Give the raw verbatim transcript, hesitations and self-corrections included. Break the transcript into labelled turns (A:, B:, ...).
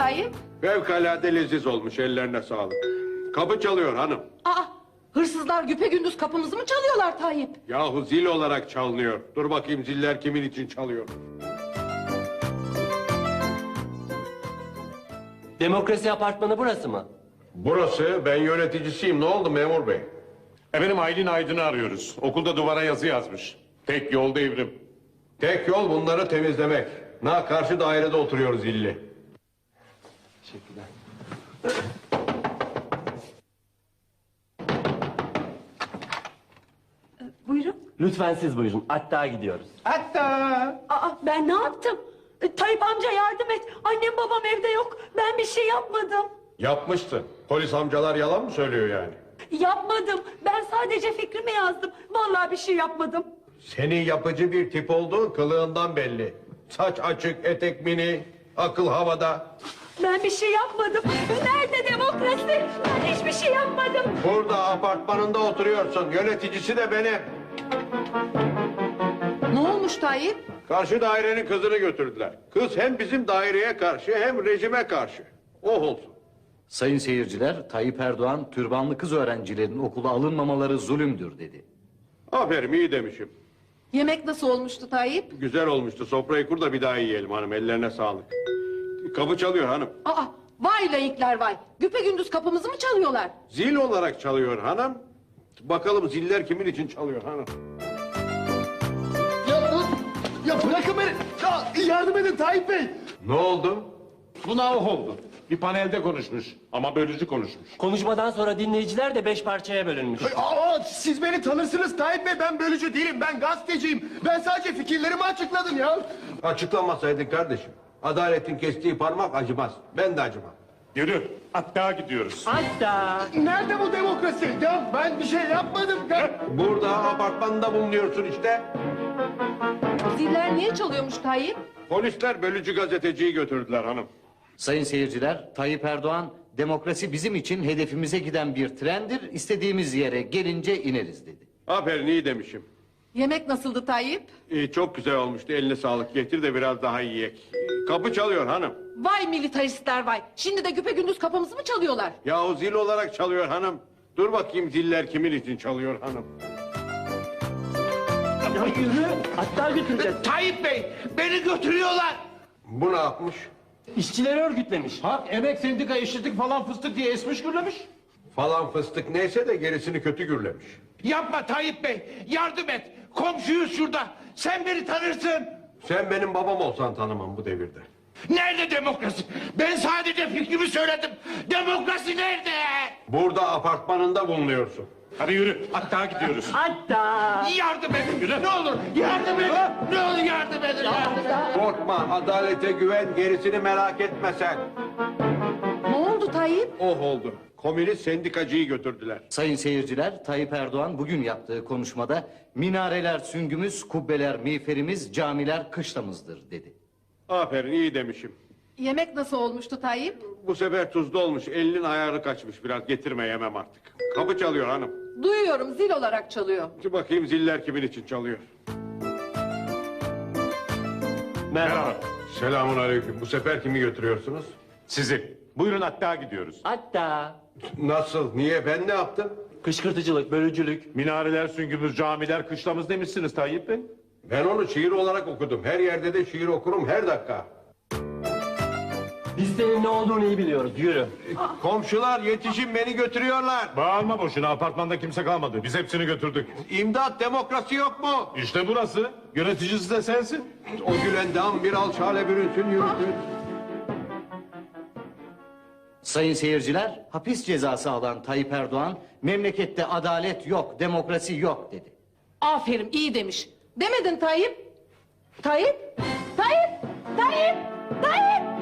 A: Tayyip?
B: Fevkalade leziz olmuş, ellerine sağlık. Kapı çalıyor hanım.
A: Aa, hırsızlar güpegündüz kapımızı mı çalıyorlar Tayyip?
B: Yahu zil olarak çalınıyor. Dur bakayım ziller kimin için çalıyor.
C: Demokrasi apartmanı burası mı?
B: Burası, ben yöneticisiyim. Ne oldu memur bey?
D: Efendim Aylin Aydın'ı arıyoruz. Okulda duvara yazı yazmış. Tek yol devrim.
B: Tek yol bunları temizlemek. Na karşı dairede oturuyoruz zilli.
C: Teşekkürler.
E: Buyurun.
C: Lütfen siz buyurun. Hatta gidiyoruz.
D: Hatta.
E: Aa, ben ne yaptım? E, Tayyip amca yardım et. Annem babam evde yok. Ben bir şey yapmadım.
B: Yapmışsın. Polis amcalar yalan mı söylüyor yani?
E: Yapmadım. Ben sadece fikrimi yazdım. Vallahi bir şey yapmadım.
B: Senin yapıcı bir tip olduğun kılığından belli. Saç açık, etek mini, akıl havada.
E: Ben bir şey yapmadım. Nerede demokrasi? Ben hiçbir şey yapmadım.
B: Burada apartmanında oturuyorsun. Yöneticisi de benim.
A: Ne olmuş Tayyip?
B: Karşı dairenin kızını götürdüler. Kız hem bizim daireye karşı hem rejime karşı. Oh olsun.
F: Sayın seyirciler, Tayyip Erdoğan, türbanlı kız öğrencilerin okula alınmamaları zulümdür dedi.
B: Aferin, iyi demişim.
A: Yemek nasıl olmuştu Tayyip?
B: Güzel olmuştu. Sofrayı kur da bir daha yiyelim hanım. Ellerine sağlık. Kapı çalıyor hanım.
A: Aa, vay layıklar vay. Güpegündüz kapımızı mı çalıyorlar?
B: Zil olarak çalıyor hanım. Bakalım ziller kimin için çalıyor hanım.
G: Ya, ya bırakın beni. Ya, yardım edin Tayyip Bey.
B: Ne oldu?
D: Buna oh oldu. Bir panelde konuşmuş ama bölücü konuşmuş.
C: Konuşmadan sonra dinleyiciler de beş parçaya bölünmüş.
G: Aa, siz beni tanırsınız Tayyip Bey. Ben bölücü değilim. Ben gazeteciyim. Ben sadece fikirlerimi açıkladım ya.
B: Açıklamasaydın kardeşim. Adaletin kestiği parmak acımaz. Ben de acımam.
D: Yürü. Hatta gidiyoruz.
C: Hatta.
G: Nerede bu demokrasi? Ya ben bir şey yapmadım. Ya.
B: Burada apartmanda bulunuyorsun işte.
A: Ziller niye çalıyormuş Tayyip?
B: Polisler bölücü gazeteciyi götürdüler hanım.
F: Sayın seyirciler, Tayyip Erdoğan, demokrasi bizim için hedefimize giden bir trendir, istediğimiz yere gelince ineriz dedi.
B: Aferin, iyi demişim.
A: Yemek nasıldı Tayyip?
B: İyi, çok güzel olmuştu. Eline sağlık. Getir de biraz daha yiyek. Kapı çalıyor hanım.
A: Vay militaristler vay. Şimdi de güpegündüz kapımızı mı çalıyorlar?
B: Yahu zil olarak çalıyor hanım. Dur bakayım ziller kimin için çalıyor hanım.
C: Ya yürü. Hatta götüreceğiz.
G: Tayyip Bey beni götürüyorlar.
B: Bu ne yapmış?
C: İşçileri örgütlemiş.
D: Ha emek sendika eşitlik falan fıstık diye esmiş gürlemiş.
B: Falan fıstık neyse de gerisini kötü gürlemiş.
G: Yapma Tayyip Bey. Yardım et. Komşuyuz şurada. Sen beni tanırsın.
B: Sen benim babam olsan tanımam bu devirde.
G: Nerede demokrasi? Ben sadece fikrimi söyledim. Demokrasi nerede?
B: Burada apartmanında bulunuyorsun.
D: Hadi yürü. Hatta gidiyoruz.
C: Hatta.
G: Yardım edin. Ne olur yardım edin. Ne olur yardım edin. Yardım edin.
B: Korkma, adalete güven, gerisini merak etme sen.
A: Ne oldu Tayyip?
B: Oh oldu. Komünist sendikacıyı götürdüler.
F: Sayın seyirciler, Tayyip Erdoğan bugün yaptığı konuşmada minareler süngümüz, kubbeler miğferimiz, camiler kışlamızdır dedi.
B: Aferin, iyi demişim.
A: Yemek nasıl olmuştu Tayyip?
B: Bu sefer tuzlu olmuş, elinin ayarı kaçmış biraz. Getirme, yemem artık. Kapı çalıyor hanım.
A: Duyuyorum zil olarak çalıyor.
B: Dur bakayım ziller kimin için çalıyor.
C: Merhaba.
B: Selamun aleyküm. Bu sefer kimi götürüyorsunuz?
D: Sizi. Buyurun hatta gidiyoruz.
C: Hatta.
B: Nasıl? Niye? Ben ne yaptım?
C: Kışkırtıcılık, bölücülük.
D: Minareler, süngümüz, camiler, kışlamız demişsiniz Tayyip Bey.
B: Ben onu şiir olarak okudum. Her yerde de şiir okurum her dakika.
C: Biz senin ne olduğunu iyi biliyoruz. Yürü.
B: Komşular yetişin, beni götürüyorlar.
D: Bağırma boşuna, apartmanda kimse kalmadı. Biz hepsini götürdük.
B: İmdat, demokrasi yok mu?
D: İşte burası. Yöneticisi de sensin.
B: O gülen dam bir alçale bürünsün yürüsün.
F: Sayın seyirciler, hapis cezası alan Tayyip Erdoğan, memlekette adalet yok, demokrasi yok dedi.
A: Aferin iyi demiş. Demedin Tayyip? Tayyip? Tayyip? Tayyip? Tayyip?